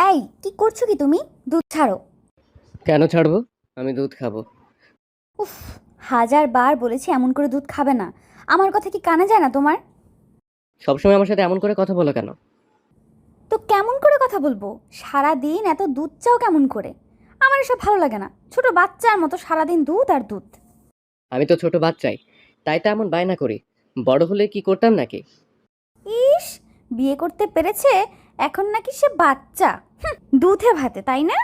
এই কি করছো কি তুমি? দুধ ছাড়ো। কেন ছাড়বো? আমি দুধ খাবো। উফ, হাজার বার বলেছি এমন করে দুধ খাবে না। আমার কথা কি কানে যায় না তোমার? সবসময় আমার সাথে এমন করে কথা বলো কেন? তো কেমন করে কথা বলবো? সারা দিন এত দুধ চাও কেমন করে? আমার এসব ভালো লাগে না, ছোট বাচ্চার মতো সারাদিন দুধ আর দুধ। আমি তো ছোট বাচ্চাই, তাই তো এমন বায়না করি। বড় হলে কি করতাম নাকি? ইস, বিয়ে করতে পেরেছে, এখন নাকি সে বাচ্চা। দুধে ভাতে, তাই না?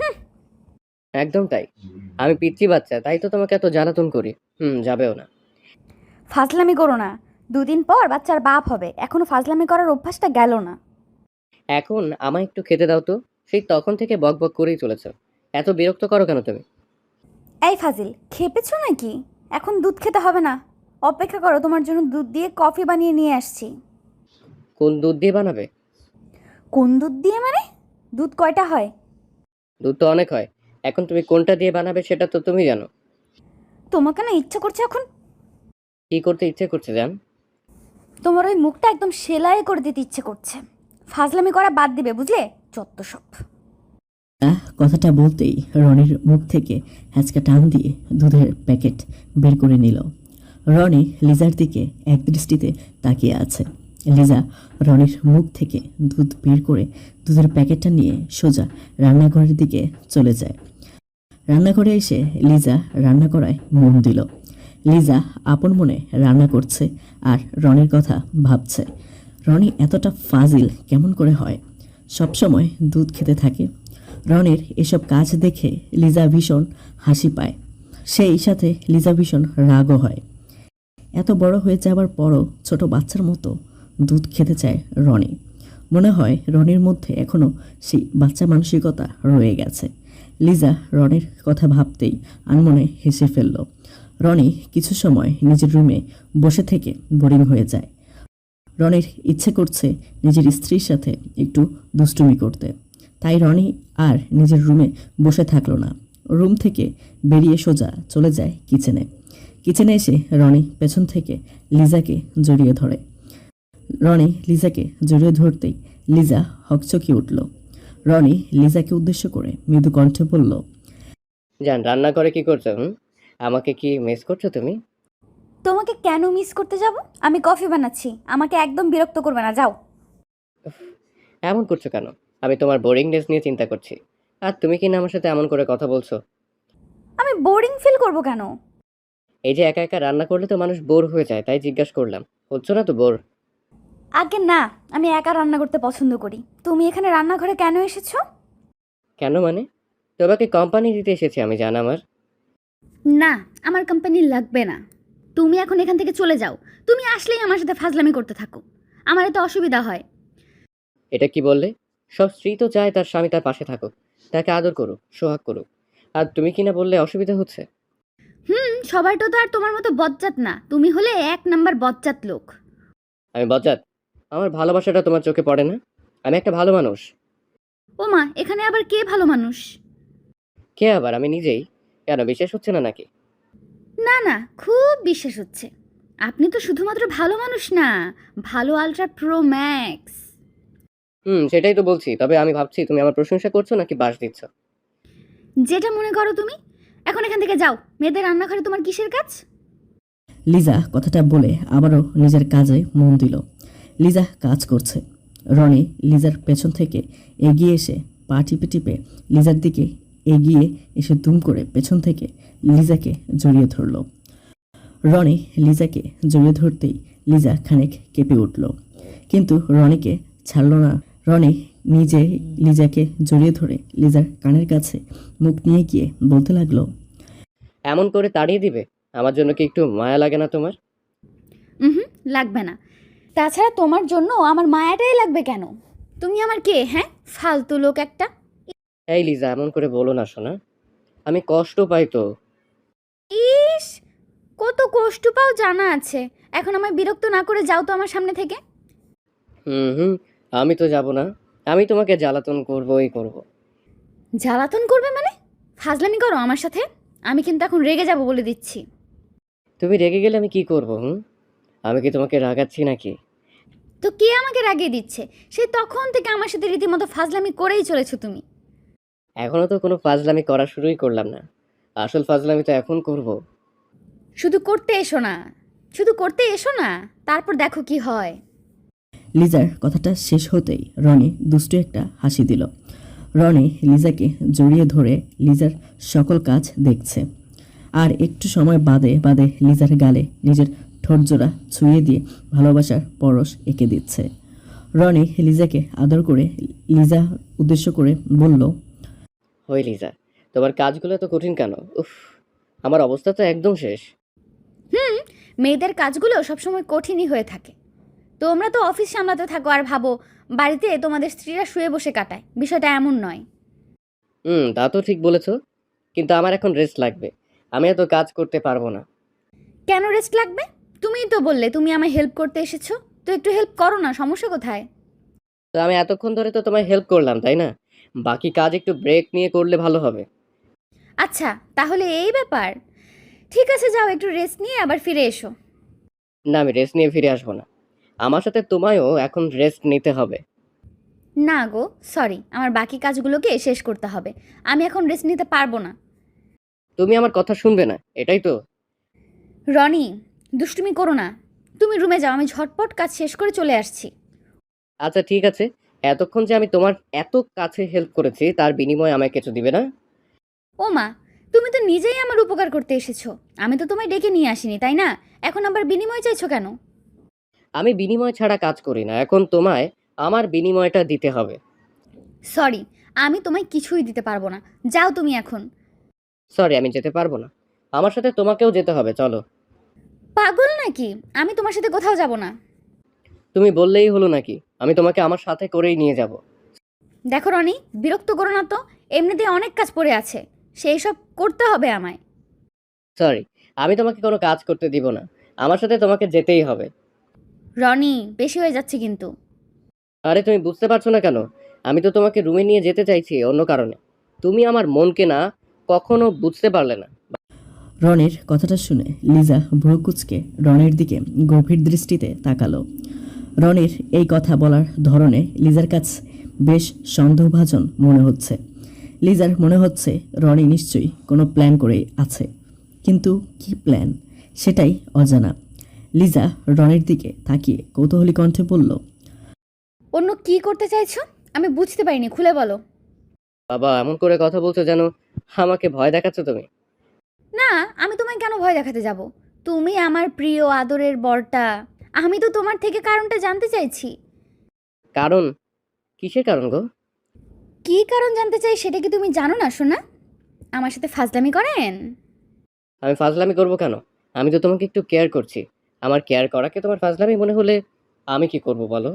একদম তাই। আমি পিচ্চি বাচ্চা, তাই তো তোমাকে এত জ্বালাতন করি। যাবেও না। ফাজলামি করো না। দুদিন পর বাচ্চার বাপ হবে, এখনো ফাজলামি করার অভ্যাসটা গেল না। এখন আমায় একটু খেতে দাও তো। সেই তখন থেকে বক বক করেই চলেছ। এত বিরক্ত করো কেন তুমি? এই ফাজিল, খেপেছো নাকি? এখন দুধ খেতে হবে না, অপেক্ষা করো, তোমার জন্য দুধ দিয়ে কফি বানিয়ে নিয়ে আসছি। কোন দুধ দিয়ে বানাবে? কোন দুধ দিয়ে মানে? দুধ কয়টা হয়? দুধ তো অনেক হয়। এখন তুমি কোনটা দিয়ে বানাবে সেটা তো তুমি জানো। তোমাকে না ইচ্ছা করছে এখন। কি করতে ইচ্ছে করছে জান? তোমার ওই মুখটা একদম সেলাই করে দিতে ইচ্ছে করছে। ফাজলামি করা বাদ দিবে, বুঝলে? যত সব। কথাটা বলতেই রনির মুখ থেকে হ্যাঁচকা টান দিয়ে দুধের প্যাকেট বের করে নিল। রনি লিজার দিকে একদৃষ্টিতে তাকিয়ে আছে। লিজা রনির মুখ থেকে দুধ বের করে দুধের প্যাকেটটা নিয়ে সোজা রান্নাঘরের দিকে চলে যায়। রান্নাঘরে এসে লিজা রান্না করায় মন দিল। লিজা আপন মনে রান্না করছে আর রনির কথা ভাবছে। রনি এতটা ফাজিল কেমন করে হয়? সবসময় দুধ খেতে থাকে। রনির এসব কাজ দেখে লিজা ভীষণ হাসি পায়, সেই সাথে লিজা ভীষণ রাগও হয়। এত বড় হয়ে যাবার পরও ছোট বাচ্চার মতো দুধ খেতে চায় রনি। মনে হয় রনির মধ্যে এখনও সেই বাচ্চা মানসিকতা রয়ে গেছে। লিজা রনির কথা ভাবতেই আনমনে হেসে ফেলল। রনি কিছু সময় নিজের রুমে বসে থেকে বোরিং হয়ে যায়। রনির ইচ্ছে করছে নিজের স্ত্রীর সাথে একটু দুষ্টুমি করতে। তাই রনি আর নিজের রুমে বসে থাকলো না, রুম থেকে বেরিয়ে সোজা চলে যায় কিচেনে। কিচেনে এসে রনি পেছন থেকে লিজাকে জড়িয়ে ধরে। রনি লিজাকে জড়িয়ে ধরতেই লিজা হকচকিয়ে উঠল। রনি লিজাকে উদ্দেশ্য করে মৃদু কণ্ঠে বলল, জান, রান্না করে কি করছো? আমাকে কি মিস করছো তুমি? তোমাকে কেন মিস করতে যাব? আমি কফি বানাচ্ছি, আমাকে একদম বিরক্ত করবে না, যাও। এমন করছো কেন? আমি তোমার বোরিংনেস নিয়ে চিন্তা করছি। আর তুমি কি না আমার সাথে এমন করে কথা বলছো? আমি বোরিং ফিল করব কেন? এই যে একা একা রান্না করলে তো মানুষ বোর হয়ে যায়, তাই জিজ্ঞাসা করলাম। হচ্ছ না তো বোর? আগে না, আমি একা রান্না করতে পছন্দ করি। তুমি এখানে রান্নাঘরে কেন এসেছো? কেন মানে? তোমাকে কোম্পানি দিতে এসেছি আমি, জান আমার। না, আমার কোম্পানি লাগবে না। তুমি এখন এখান থেকে চলে যাও। তুমি আসলেই আমার সাথে ফাজলামি করতে থাকো, আমার এতে অসুবিধা হয়। এটা কি বললে? সব স্ত্রী তো চায় তার স্বামী তার পাশে থাকুক, তাকে আদর করুক, সোহাগ করুক। আর তুমি কি না বললে অসুবিধা হচ্ছে? সবাইটা তো আর তোমার মতো বজ্জাত না, তুমি হলে এক নাম্বার বজ্জাত লোক। আমি বজ্জাত? আমার ভালোবাসাটা তোমার চোখে পড়ে না? আমি একটা ভালো মানুষ। ও মা, এখানে আবার কে ভালো মানুষ? কে আবার? আমি নিজেই। কেন, বিশ্বাস হচ্ছে না নাকি? না না, খুব বিশ্বাস হচ্ছে। আপনি তো শুধুমাত্র ভালো মানুষ না, ভালো আলট্রা প্রো ম্যাক্স। সেটাই তো বলছি। তবে আমি ভাবছি তুমি আমার প্রশংসা করছো নাকি বাস দিচ্ছ। যেটা মনে করো তুমি। এখন এখান থেকে যাও, মেয়েদের রান্নাঘরে তোমার কিসের কাজ? লিজা কথাটা বলে আবারও নিজের কাজে মন দিল। লিজা কাজ করছে। রনি লিজার পেছন থেকে এগিয়ে এসে পা টিপে টিপে লিজার দিকে এগিয়ে এসে দুম করে পেছন থেকে লিজাকে জড়িয়ে ধরল। রনি লিজাকে জড়িয়ে ধরতেই লিজা খানিক কেঁপে উঠল, কিন্তু রনিকে ছাড়ল না। রনি নিজে লিজাকে জড়িয়ে ধরে লিজার কানের কাছে মুখ নিয়ে গিয়ে বলতে লাগলো, এমন করে তাড়িয়ে দিবে? আমার জন্য কি একটু মায়া লাগে না তোমার? হুম, লাগবে না। তাছাড়া তোমার জন্য আমার মায়াটাই লাগবে কেন? তুমি আমার কে, হ্যাঁ? ফালতু লোক একটা। এই লিজা, এমন করে বলো না সোনা। আমি কষ্ট পাই তো। ইস, কত কষ্ট পাও জানা আছে। এখন আমায় বিরক্ত না করে যাও তো আমার সামনে থেকে। হুম হুম আমি তো যাব না। আমি তোমাকে জ্বালাতন করবোই করব। জ্বালাতন করবে মানে? ফাজলামি করো আমার সাথে। আমি কিন্তু এখন রেগে যাব, বলে দিচ্ছি। তুমি রেগে গেলে আমি কি করব? আমি কি তোমাকে রাগাচ্ছি নাকি? তো কে আমাকে রাগিয়ে দিচ্ছে? সেই তখন থেকে আমার সাথে রীতিমতো ফাজলামি করেই চলেছো তুমি। এখনো তো কোনো ফাজলামি করা শুরুই করলাম না। আসল ফাজলামি তো এখন করব। শুধু করতে এসো না, শুধু করতে এসো না, তারপর দেখো কি হয়। লিজার কথাটা শেষ হতেই রনি দুষ্টু একটা হাসি দিল। রনি লিজাকে জড়িয়ে ধরে লিজার সকল কাজ দেখছে, আর একটু সময় বাদে বাদে লিজার গালে নিজের ঠোঁটজোড়া ছুঁয়ে দিয়ে ভালোবাসার পরশ এঁকে দিচ্ছে। রনি লিজাকে আদর করে লিজা উদ্দেশ্য করে বলল, হই লিজা, তোমার কাজগুলো তো কঠিন কেন? উফ, আমার অবস্থা তো একদম শেষ। মেয়েদের কাজগুলো সবসময় কঠিনই হয়ে থাকে। তোমরা তো অফিস সামলাতে থাকো আর ভাবো বাড়িতে তোমাদের স্ত্রীরা শুয়ে বসে কাটায়, বিষয়টা এমন নয়। তা তো ঠিক বলেছো, কিন্তু আমার এখন রেস্ট লাগবে। আমি এত কাজ করতে পারবো না। কেন রেস্ট লাগবে? তুমিই তো বললে তুমি আমায় হেল্প করতে এসেছো, তো একটু হেল্প করো না, সমস্যা কোথায়? তো আমি এতক্ষণ ধরে তো তোমায় হেল্প করলাম, তাই না? বাকি কাজ একটু ব্রেক নিয়ে করলে ভালো হবে। আচ্ছা, তাহলে এই ব্যাপার। ঠিক আছে, যাও একটু রেস্ট নিয়ে আবার ফিরে এসো। না, আমি রেস্ট নিয়ে ফিরে আসবো না। আমার সাথে তোমায়ও এখন রেস্ট নিতে হবে। না গো, সরি, আমার বাকি কাজগুলোকে শেষ করতে হবে। আমি এখন রেস্ট নিতে পারবো না। তুমি আমার কথা শুনবে না, এটাই তো। রনি, দুষ্টুমি করো না। তুমি রুমে যাও, আমি ঝটপট কাজ শেষ করে চলে আসছি। আচ্ছা ঠিক আছে, এতক্ষণ যে আমি তোমার এত কাছে হেল্প করেছি তার বিনিময়ে আমায় কিছু দিবে না? ও মা, তুমি তো নিজেই আমার উপকার করতে এসেছো। আমি তো তোমায় ডেকে নিয়ে আসিনি, তাই না? এখন আবার বিনিময় চাইছো কেন? আমি বিনিময় ছাড়া কাজ করি না, এখন তোমায় আমার বিনিময়টা দিতে হবে। সরি, আমি তোমায় কিছুই দিতে পারবো না। যাও তুমি এখন। সরি, আমি যেতে পারবো না। আমার সাথে তোমাকেও যেতে হবে, চলো। পাগল নাকি? আমি তোমার সাথে কোথাও যাব না। তুমি বললেই হলো নাকি? আমি তোমাকে আমার সাথে করেই নিয়ে যাব। দেখো রনি, বিরক্ত করো না তো। এমনিতেই অনেক কাজ পড়ে আছে, সেই সব করতে হবে আমায়। সরি, আমি তোমাকে কোনো কাজ করতে দিব না। আমার সাথে তোমাকে যেতেই হবে। রনি, বেশি হয়ে যাচ্ছে কিন্তু। আরে তুমি বুঝতে পারছো না কেন? আমি তো তোমাকে রুমে নিয়ে যেতে চাইছি অন্য কারণে। তুমি আমার মনকে না কখনো বুঝতে পারলে না। রনির কথাটা শুনে লিজা ভ্রু কুঁচকে রনির দিকে গভীর দৃষ্টিতে তাকালো। রনির এই কথা বলার ধরনে লিজার কাছে বেশ সন্দেহভাজন মনে হচ্ছে। লিজার মনে হচ্ছে রনি নিশ্চয়ই কোনো প্ল্যান করেই আছে, কিন্তু কি প্ল্যান সেটাই অজানা। লিজা রনির দিকে তাকিয়ে কৌতূহলী কণ্ঠে বলল, অন্য কি করতে চাইছো? আমি বুঝতে পারিনি, খুলে বলো। বাবা, এমন করে কথা বলছো যেন আমাকে ভয় দেখাচ্ছ তুমি। না, আমি তোমায় কেন ভয় দেখাতে যাব? তুমি আমার প্রিয় আদরের বরটা। আমি তো তোমার থেকে কারণটা জানতে চাইছি। কারণ? কিসের কারণ গো? কি কারণ জানতে চাই সেটা কি তুমি জানো না সোনা? আমার সাথে ফাজলামি করেন? আমি ফাজলামি করবো কেন? আমি তো তোমাকে একটু কেয়ার করছি। আমার কেয়ার করাকে তোমার ফাজলামি মনে হলে আমি কি করব বলো?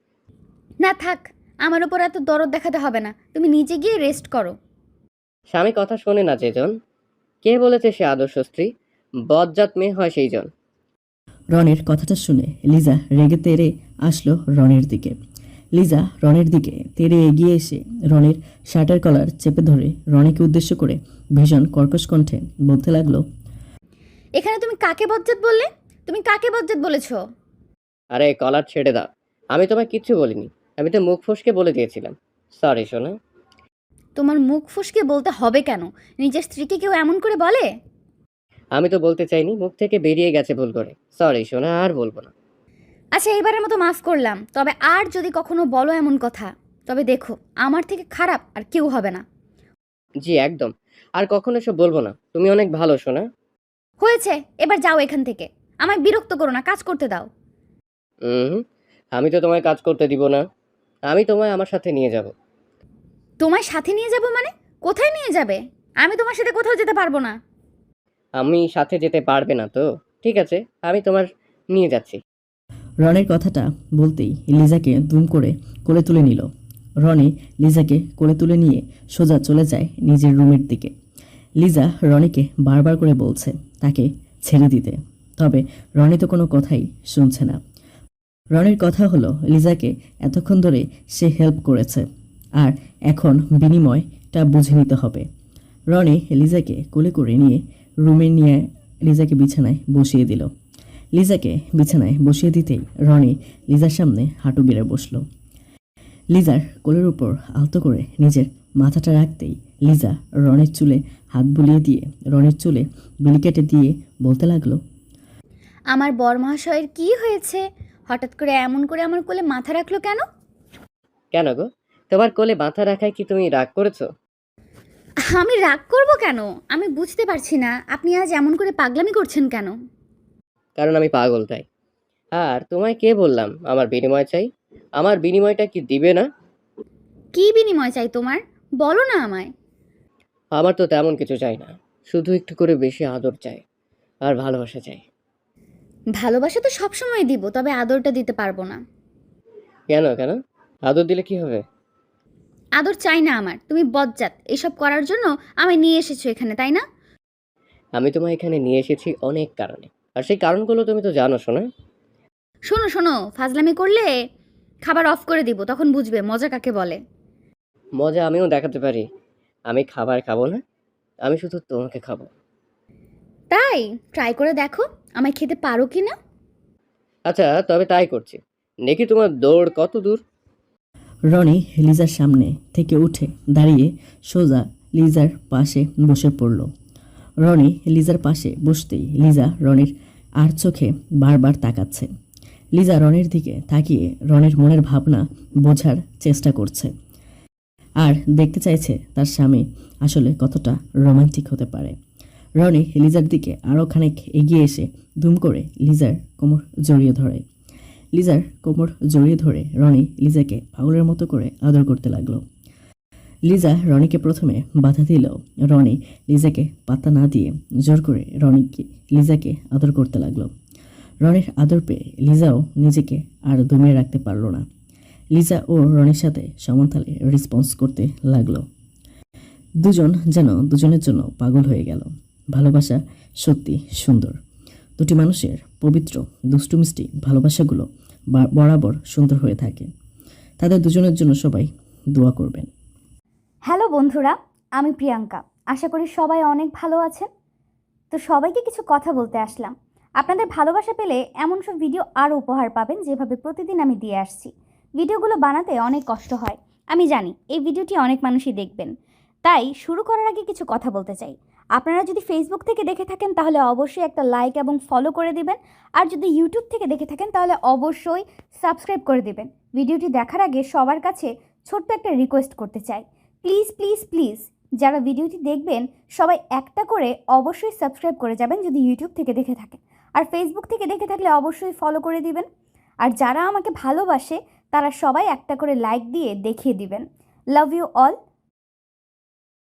না থাক, আমার ওপর এত দরদ দেখাতে হবে না। তুমি নিচে গিয়ে রেস্ট করো। স্বামী কথা শোনে না যেজন, কে বলেছে সে আদর্শ স্ত্রী? বজ্জাত মেয়ে হয় সেই জন। রনির কথাটা শুনে লিজা রেগে তেড়ে আসলো রনির দিকে। লিজা রনির দিকে তেড়ে এগিয়ে এসে রনির শার্টের কলার চেপে ধরে রনিকে উদ্দেশ্য করে ভীষণ কর্কশ কণ্ঠে বলতে লাগলো, এখানে তুমি কাকে বজ্জাত বললে? তুমি কাকে বজ্জাত বলেছো? আরে কলার ছেড়ে দাও। আমি তোমায় কিচ্ছু বলিনি। আমি তো মুখ ফসকে বলে দিয়েছিলাম। সরি সোনা। তোমার মুখ ফসকে বলতে হবে কেন? নিজের স্ত্রীকে কেউ এমন করে বলে? আমি তো বলতে চাইনি, মুখ থেকে বেরিয়ে গেছে ভুল করে। সরি সোনা, আর বলবো না। আচ্ছা, এবারের মতো মাফ করলাম। তবে আর যদি কখনো বলো এমন কথা, তবে দেখো আমার থেকে খারাপ আর কেউ হবে না। জি একদম। আর কখনো এসব বলবো না। তুমি অনেক ভালো সোনা। হয়েছে, এবার যাও এখান থেকে। আমায় বিরক্ত করো না, কাজ করতে দাও। হুম, আমি তো তোমায় কাজ করতে দিব না। আমি তোমায় আমার সাথে নিয়ে যাব। তোমায় সাথে নিয়ে যাব মানে? কোথায় নিয়ে যাবে? আমি তোমার সাথে কোথাও যেতে পারবো না। আমি সাথে যেতে পারবে না তো? ঠিক আছে, আমি তোমার নিয়ে যাচ্ছি। রনির কথাটা বলতেই লিজাকে দুম করে কোলে তুলে নিল। রনি লিজাকে কোলে তুলে নিয়ে সোজা চলে যায় নিজের রুমের দিকে। লিজা রনিকে বারবার করে বলছে তাকে ছেড়ে দিতে, তবে রনি তো কোনো কথাই শুনছে না। রনির কথা হলো লিজাকে এতক্ষণ ধরে সে হেল্প করেছে, আর এখন বিনিময়টা বুঝে নিতে হবে। রনি লিজাকে কোলে করে নিয়ে রুমে নিয়ে লিজাকে বিছানায় বসিয়ে দিল। লিজাকে বিছানায় বসিয়ে দিতেই রনি লিজার সামনে হাঁটু গেড়ে বসল। লিজার কোলের উপর আলতো করে নিজের মাথাটা রাখতেই লিজা রনির চুলে হাত বুলিয়ে দিয়ে রনির চুলে বিলি কেটে দিয়ে বলতে লাগলো, আমার বর মহাশয়ের কি হয়েছে? হঠাৎ করে এমন করে আমার কোলে মাথা রাখলো কেন? কেন গো, তোমার কোলে মাথা রাখায় কি তুমি রাগ করেছো? আমি রাগ করব কেন? আমি বুঝতে পারছি না আপনি আজ এমন করে পাগলামি করছেন কেন? কারণ আমি পাগল তাই। আর তোমায় কে বললাম আমার বিনিময় চাই? আমার বিনিময়টা কি দিবে না? কি বিনিময় চাই তোমার? বলো না আমায়। আমার তো তেমন কিছু চাই না, শুধু একটু করে বেশি আদর চাই আর ভালোবাসা চাই। ভালোবাসা তো সবসময় দিব, তবে আদরটা দিতে পারবো না। কেন কেন? আদর দিলে কি হবে? আদর চাই না আমার। তুমি বজ্জাত, এসব করার জন্য আমায় নিয়ে এসেছো এখানে, তাই না? আমি তোমায় এখানে নিয়ে এসেছি অনেক কারণে, আর সেই কারণগুলো তুমি তো জানো শোনা। শোনো শোনো, ফাজলামি করলে খাবার অফ করে দিব, তখন বুঝবে মজা কাকে বলে। মজা আমিও দেখাতে পারি। আমি খাবার খাবো না, আমি শুধু তোমাকে খাবো। তাই ট্রাই করে দেখো আমায় খেতে পারো কি না। আচ্ছা তবে তাই করছি। দেখি তোমার দৌড় কত দূর। রনি লিজার সামনে থেকে উঠে দাঁড়িয়ে সোজা লিজার পাশে বসে পড়ল। রনি লিজার পাশে বসতেই লিজা রনির আর চোখে বারবার তাকাচ্ছে। লিজা রনির দিকে তাকিয়ে রনির মনের ভাবনা বোঝার চেষ্টা করছে আর দেখতে চাইছে তার স্বামী আসলে কতটা রোমান্টিক হতে পারে। রনি লিজার দিকে আরও খানিক এগিয়ে এসে দুম করে লিজার কোমর জড়িয়ে ধরে। লিজার কোমর জড়িয়ে ধরে রনি লিজাকে পাগলের মতো করে আদর করতে লাগলো। লিজা রনিকে প্রথমে বাধা দিলেও রনি লিজাকে পাত্তা না দিয়ে জোর করে লিজাকে আদর করতে লাগলো। রনির আদর পেয়ে লিজাও নিজেকে আর দমিয়ে রাখতে পারল না। লিজা ও রনির সাথে সমানতালে রেসপন্স করতে লাগলো। দুজন যেন দুজনের জন্য পাগল হয়ে গেল। ভালোবাসা সত্যি সুন্দর। দুটি মানুষের পবিত্র দুষ্টু মিষ্টি ভালোবাসাগুলো বরাবর সুন্দর হয়ে থাকে। তাদের দুজনের জন্য সবাই দোয়া করবেন। হ্যালো বন্ধুরা, আমি প্রিয়াঙ্কা। আশা করি সবাই অনেক ভালো আছেন। তো সবাইকে কিছু কথা বলতে আসলাম। আপনাদের ভালোবাসা পেলে এমন সব ভিডিও আরও উপহার পাবেন যেভাবে প্রতিদিন আমি দিয়ে আসছি। ভিডিওগুলো বানাতে অনেক কষ্ট হয়, আমি জানি। এই ভিডিওটি অনেক মানুষই দেখবেন, তাই শুরু করার আগে কিছু কথা বলতে চাই। আপনারা যদি ফেসবুক থেকে দেখে থাকেন তাহলে অবশ্যই একটা লাইক এবং ফলো করে দিবেন। আর যদি ইউটিউব থেকে দেখে থাকেন তাহলে অবশ্যই সাবস্ক্রাইব করে দিবেন। ভিডিওটি দেখার আগে সবার কাছে ছোট্ট একটা রিকোয়েস্ট করতে চাই, প্লিজ প্লিজ প্লিজ যারা ভিডিওটি দেখবেন সবাই একটা করে অবশ্যই সাবস্ক্রাইব করে যাবেন যদি ইউটিউব থেকে দেখে থাকেন। আর ফেসবুক থেকে দেখে থাকলে অবশ্যই ফলো করে দিবেন। আর যারা আমাকে ভালোবাসে তারা সবাই একটা করে লাইক দিয়ে দেখিয়ে দিবেন। Love you all.